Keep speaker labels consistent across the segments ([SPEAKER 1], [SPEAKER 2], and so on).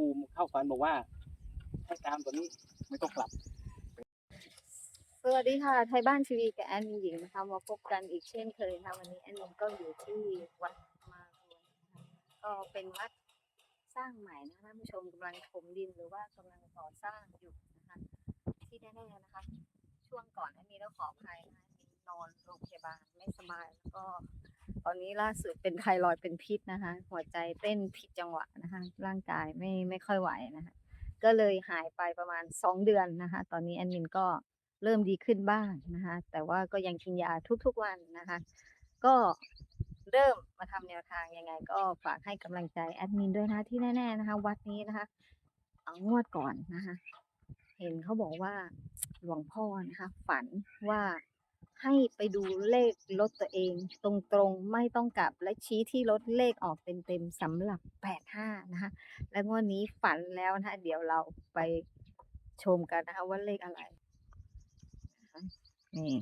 [SPEAKER 1] ปู่เข้าฝันบอกว่าให้ตามตัวนี้ไม่ต้องกลับ
[SPEAKER 2] สวัสดีค่ะไทยบ้านทีวีกับแอนมินหญิงนะคะมาพบกันอีกเช่นเคยนะคะวันนี้แอนมินก็อยู่ที่วัดมารวยนะคะก็เป็นวัดสร้างใหม่นะคะท่านผู้ชมกำลังถมดินหรือว่ากำลังก่อสร้างอยู่นะคะที่แน่ๆนะคะช่วงก่อนแอนมินต้องขออภัยนะคะแอนมินนอนโรงพยาบาลไม่สบายแล้วก็ตอนนี้ล่าสุดเป็นไทรอยด์เป็นพิษนะคะหัวใจเต้นผิดจังหวะนะคะร่างกายไม่ค่อยไหวนะคะก็เลยหายไปประมาณ2 เดือนนะคะตอนนี้แอนมินก็เริ่มดีขึ้นบ้างนะคะแต่ว่าก็ยังกินยาทุกๆวันนะคะก็เริ่มมาทำแนวทางยังไงก็ฝากให้กำลังใจแอดมินด้วยนะที่แน่ๆนะคะวัดนี้นะคะงวดก่อนนะคะเห็นเขาบอกว่าหลวงพ่อนะคะฝันว่าให้ไปดูเลขรถตัวเองตรงๆไม่ต้องกลับและชี้ที่รถเลขออกเต็มๆสำหรับ85นะคะและงวดนี้ฝันแล้วนะคะเดี๋ยวเราไปชมกันนะคะว่าเลขอะไรนี่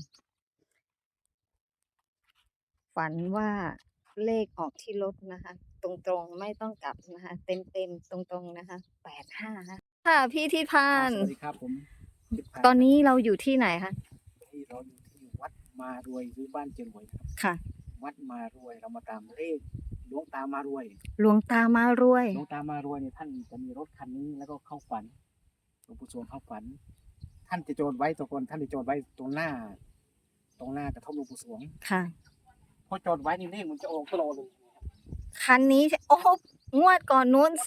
[SPEAKER 2] ฝันว่าเลขออกที่รถนะคะตรงๆไม่ต้องกลับนะคะเต็มๆตรงๆนะคะ85นะค่ะพี่ทิพาน
[SPEAKER 1] สวัสดีครับผม
[SPEAKER 2] ตอนนี้เราอยู่ที่ไหนคะ
[SPEAKER 1] ที่เราอยู่ที่วัดมารวยหรือบ้านเจรวยนะครับ
[SPEAKER 2] ค่ะ
[SPEAKER 1] วัดมารวยเรามาตามเลขหลวงตามารวย
[SPEAKER 2] หลวงตามารวย
[SPEAKER 1] หลวงตามารวยเนี่ยท่านจะมีรถคันนี้แล้วก็เข้าฝันหลวงปู่สวงเข้าฝันท่านจะโจรไว้ตัวคนท่านจะโจรไว้ตรงหน้ากระท่อมหลวงปู่สวง
[SPEAKER 2] ค่ะ
[SPEAKER 1] พอโจรไว้นี่เลขมันจะออกตลอดเลย
[SPEAKER 2] คันนี้โอ้โหงวดก่อนนู้น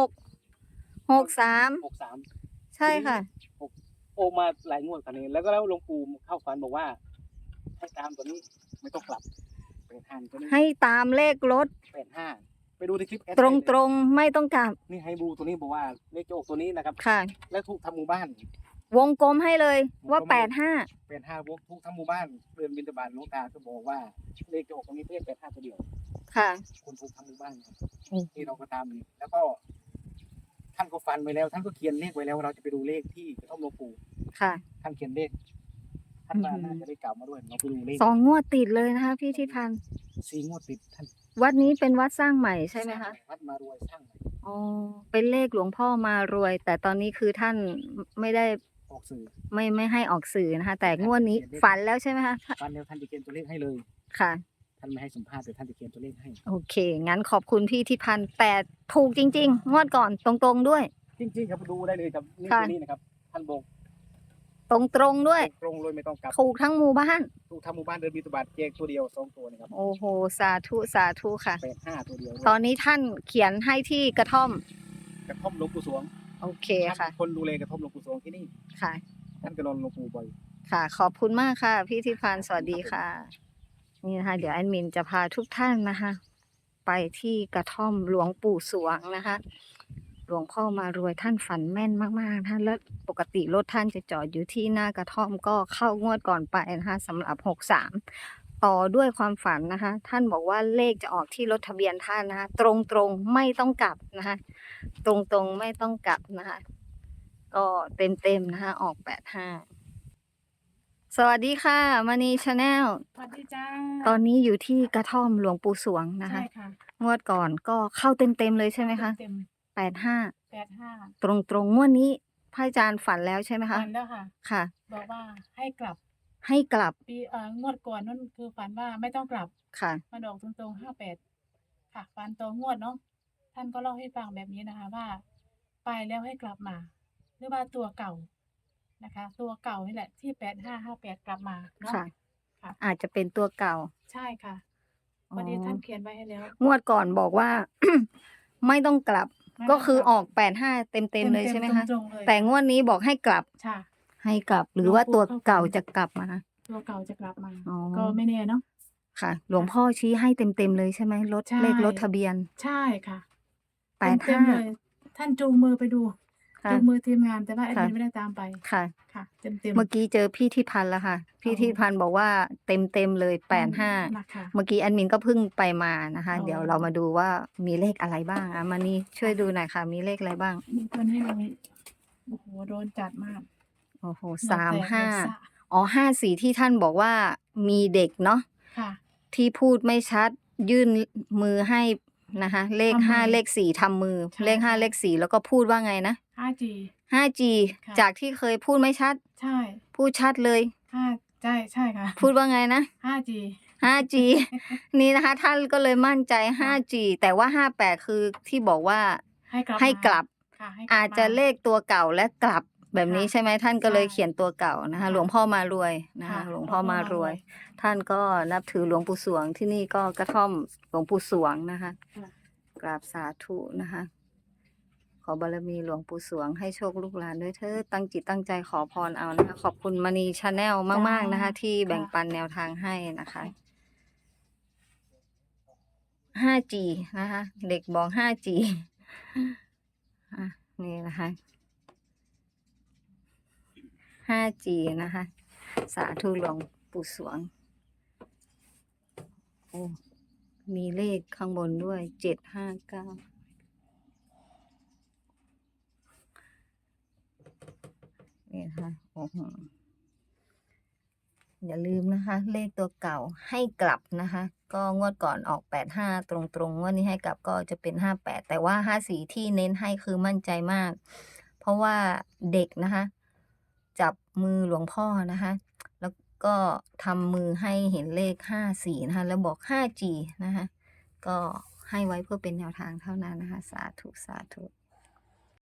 [SPEAKER 2] 3663ใช่ค่ะ
[SPEAKER 1] โอมาหลายงวดคันนี้แล้วก็แล้วหลวงปู่เข้าฝันบอกว่าให้ตามตัวนี้ไม่ต้องกลับ85ตัวนี้
[SPEAKER 2] ให้ตามเลขรถ
[SPEAKER 1] 85ไปดูในคลิป
[SPEAKER 2] ตรงๆไม่ต้องกลับ
[SPEAKER 1] นี่ให้ดูตัวนี้บอกว่าเลขโจกตัวนี้นะครับ
[SPEAKER 2] ค่ะ
[SPEAKER 1] และทุกทำหมู่บ้าน
[SPEAKER 2] วงกลมให้เลยว่า
[SPEAKER 1] 85วกทุกทำหมู่บ้านเดินบิณฑบาตหลวงตาก็บอกว่าเลขโจกตรงนี้เลข85ตัวเดียว
[SPEAKER 2] ค่ะ
[SPEAKER 1] คนทุกทำหมู่บ้านที่เราก็ตามนี่แล้วก็ท่านก็ฟันไว้แล้วท่านก็เขียนเลขไว้แล้วเราจะไปดูเลขที่กระท่อมหลวงปู่
[SPEAKER 2] ค่ะ
[SPEAKER 1] ท่านเขียนเลขท่านว่าน่าจะได้กล่าวมาด้วยเราไปดูเลข
[SPEAKER 2] 2 งวดติดเลยนะคะพี่ทิพันธ์
[SPEAKER 1] 4 งวดติดท่าน
[SPEAKER 2] วัดนี้เป็นวัดสร้างใหม่ใช่ไหมคะ
[SPEAKER 1] วัดมารวยสร้างใหม่
[SPEAKER 2] อ๋อเป็นเลขหลวงพ่อมารวยแต่ตอนนี้คือท่านไม่ได้
[SPEAKER 1] ออกสื่อ
[SPEAKER 2] ไม่ให้ออกสื่อนะคะแต่งวดนี้ฝันแล้วใช่ไหมคะ
[SPEAKER 1] ฝันแล้วท่านจะเขียนตัวเลขให้เลย
[SPEAKER 2] ค่ะ
[SPEAKER 1] ท่านไม่ให้สัมภาษณ์แต่ท่านจะเขียนตัวเลขให้
[SPEAKER 2] โอเคงั้นขอบคุณพี่ทิพันธ์แต่ถูกจริงๆงวดก่อนตรงๆด้วย
[SPEAKER 1] จริงๆครับดูได้เลยครับนี่ตัวนี้นะครับท่านบอก
[SPEAKER 2] ตรงด้วย
[SPEAKER 1] ตรงเลยไม่ต้องกลับ
[SPEAKER 2] ถูกทั้งหมู่บ้าน
[SPEAKER 1] ถูกทั้งหมู่บ้านเดินบิณฑบาตแจกตัวเดียว2ตัวนะครับ
[SPEAKER 2] โอ้โหสาธุค่ะ
[SPEAKER 1] 85ตัวเดียว
[SPEAKER 2] ตอนนี้ท่านเขียนให้ที่กระท่อม
[SPEAKER 1] หลวงปู่สวง
[SPEAKER 2] โอเคค่ะ
[SPEAKER 1] คนดูแลกระท่อมหลวงปู่สวงที่นี่
[SPEAKER 2] ค่ะ
[SPEAKER 1] ท่านก็นอนหลวงปู่บ่อย
[SPEAKER 2] ค่ะขอบคุณมากค่ะพี่ทิพันธ์สวัสดีค่ะนี่นะคะเดี๋ยวแอดมินจะพาทุกท่านนะคะไปที่กระท่อมหลวงปู่สวงนะคะหลวงพ่อมารวยท่านฝันแม่นมากๆท่านแล้วปกติรถท่านจะจอดอยู่ที่หน้ากระท่อมก็เข้างวดก่อนไปนะคะสำหรับ63ต่อด้วยความฝันนะคะท่านบอกว่าเลขจะออกที่รถทะเบียนท่านนะคะตรงๆไม่ต้องกลับนะคะตรงๆไม่ต้องกลับนะคะก็เต็มนะคะออก85สวัสดีค่ะมณีชาแนล
[SPEAKER 3] สวัสดีจ้า
[SPEAKER 2] ตอนนี้อยู่ที่กระท่อมหลวงปู่สวงนะคะ
[SPEAKER 3] ใช่ค่ะ
[SPEAKER 2] งวดก่อนก็เข้าเต็มเลยใช่ไหมคะ
[SPEAKER 3] เต็ม
[SPEAKER 2] 85ตรงงวดนี้พระอาจารย์ฝันแล้วใช่ไหมคะ
[SPEAKER 3] ฝันแล้วค่ะ
[SPEAKER 2] ค่ะ
[SPEAKER 3] บอกว่าให้กลับปีงวดก่อนนั่นคือฝันว่าไม่ต้องกลับ
[SPEAKER 2] ค่ะ
[SPEAKER 3] มันออกตรง58ค่ะฝันตัวงวดเนาะท่านก็เล่าให้ฟังแบบนี้นะคะว่าไปแล้วให้กลับมาหรือว่าตัวเก่านะคะตัวเก่านี่แหละที่8558กลับมาเนาะ
[SPEAKER 2] ค่ะอาจจะเป็นตัวเก่า
[SPEAKER 3] ใช่ค่ะวันนี้ท่านเขียนไว้ให้แล้ว
[SPEAKER 2] งวดก่อนบอกว่า ไม่ต้องกลับก็คือออก85เต็มเลยใช่ไหมคะแต่งวดนี้บอกให้กลับให้กลับหรือว่าตัวเก่าจะกลับมา
[SPEAKER 3] ตัวเก่าจะกลับมาก็ไม่แน่เนาะ
[SPEAKER 2] ค่ะหลวงพ่อชี้ให้เต็มเลยใช่ไหมเลขรถทะเบียน
[SPEAKER 3] ใช่ค่ะ85เลยท่านจูงมือไปดูจูงมือทีมงานแต่ว่าแอดมินไม่ได้ตามไป
[SPEAKER 2] ค่ะ
[SPEAKER 3] เต็ม
[SPEAKER 2] เมื่อกี้เจอพี่ทิพันธ์แล้วค่ะพี่ทิพันธ์บอกว่าเต็มเลย85เมื่อกี้แอดมินก็เพิ่งไปมานะคะเดี๋ยวเรามาดูว่ามีเลขอะไรบ้างมานี่ช่วยดูหน่อยค่ะมีเลขอะไรบ้าง
[SPEAKER 3] มีคนให้เราโอ้โหโดนจัดมาก
[SPEAKER 2] โอ้โห35อ๋อ54ที่ท่านบอกว่ามีเด็กเนาะที่พูดไม่ชัดยื่นมือให้นะคะ เลข
[SPEAKER 3] ทำมือ
[SPEAKER 2] ห้าเลขสี่ทำมือ
[SPEAKER 3] ใช่
[SPEAKER 2] เลขห้า
[SPEAKER 3] ใช่
[SPEAKER 2] เลขสี่แล้วก็พูดว่าไงนะ
[SPEAKER 3] 5G
[SPEAKER 2] 5G
[SPEAKER 3] ค่ะ
[SPEAKER 2] จากที่เคยพูดไม่ชัด
[SPEAKER 3] ใช่
[SPEAKER 2] พูดชัดเลย
[SPEAKER 3] ใช่ใช่ค่ะ
[SPEAKER 2] พูดว่าไงนะ
[SPEAKER 3] 5G
[SPEAKER 2] 5G นี่นะคะ ท่านก็เลยมั่นใจ
[SPEAKER 3] ค่ะ
[SPEAKER 2] 5G แต่ว่า 58 คือที่บอกว่า
[SPEAKER 3] ให้กลับ
[SPEAKER 2] ให้
[SPEAKER 3] มาก
[SPEAKER 2] ลับ
[SPEAKER 3] ค่ะให้กลับ
[SPEAKER 2] อาจจะ
[SPEAKER 3] มา
[SPEAKER 2] เลขตัวเก่าและกลับแบบนี้
[SPEAKER 3] ค่ะ
[SPEAKER 2] ใช่ไหมท่านก็
[SPEAKER 3] ใช่
[SPEAKER 2] เลยเขียนตัวเก่านะคะ
[SPEAKER 3] ค่ะ
[SPEAKER 2] หลวงพ่อมารวยนะ
[SPEAKER 3] ค่ะ
[SPEAKER 2] คะ หลวง
[SPEAKER 3] หลวง
[SPEAKER 2] พ่อ
[SPEAKER 3] พ่อ
[SPEAKER 2] มาม
[SPEAKER 3] าร ร
[SPEAKER 2] ว
[SPEAKER 3] วย ย
[SPEAKER 2] ท่านก็นับถือหลวงปู่สวงที่นี่ก็กระท่อมหลวงปู่สวงนะคะ
[SPEAKER 3] ค่ะ
[SPEAKER 2] กราบสาธุนะคะ ขอบารมีหลวงปู่สวงให้โชคลูกหลานด้วยเถิดตั้งจิตตั้งใจขอพรเอานะคะ ขอบคุณมณีชาแนลมาก ๆ นะคะ ที่แบ่ง
[SPEAKER 3] ค่ะ
[SPEAKER 2] ปันแนวทางให้นะคะ 5G นะคะ เด็กบอก 5G อ่ะนี่นะคะ 5G นะคะ สาธุหลวงปู่สวง โอ้ มีเลขข้างบนด้วย 759 นี่นะคะโอ้โหอย่าลืมนะคะ เลขตัวเก่าให้กลับนะคะ ก็งวดก่อนออก 85 ตรงๆงวดนี้ให้กลับก็จะเป็น 58 แต่ว่า 54 ที่เน้นให้คือมั่นใจมาก เพราะว่าเด็กนะคะ จับมือหลวงพ่อนะคะ แล้วก็ทำมือให้เห็นเลข 54 นะคะ แล้วบอก 5G นะคะ ก็ให้ไว้เพื่อเป็นแนวทางเท่านั้นนะคะ สาธุ สาธุ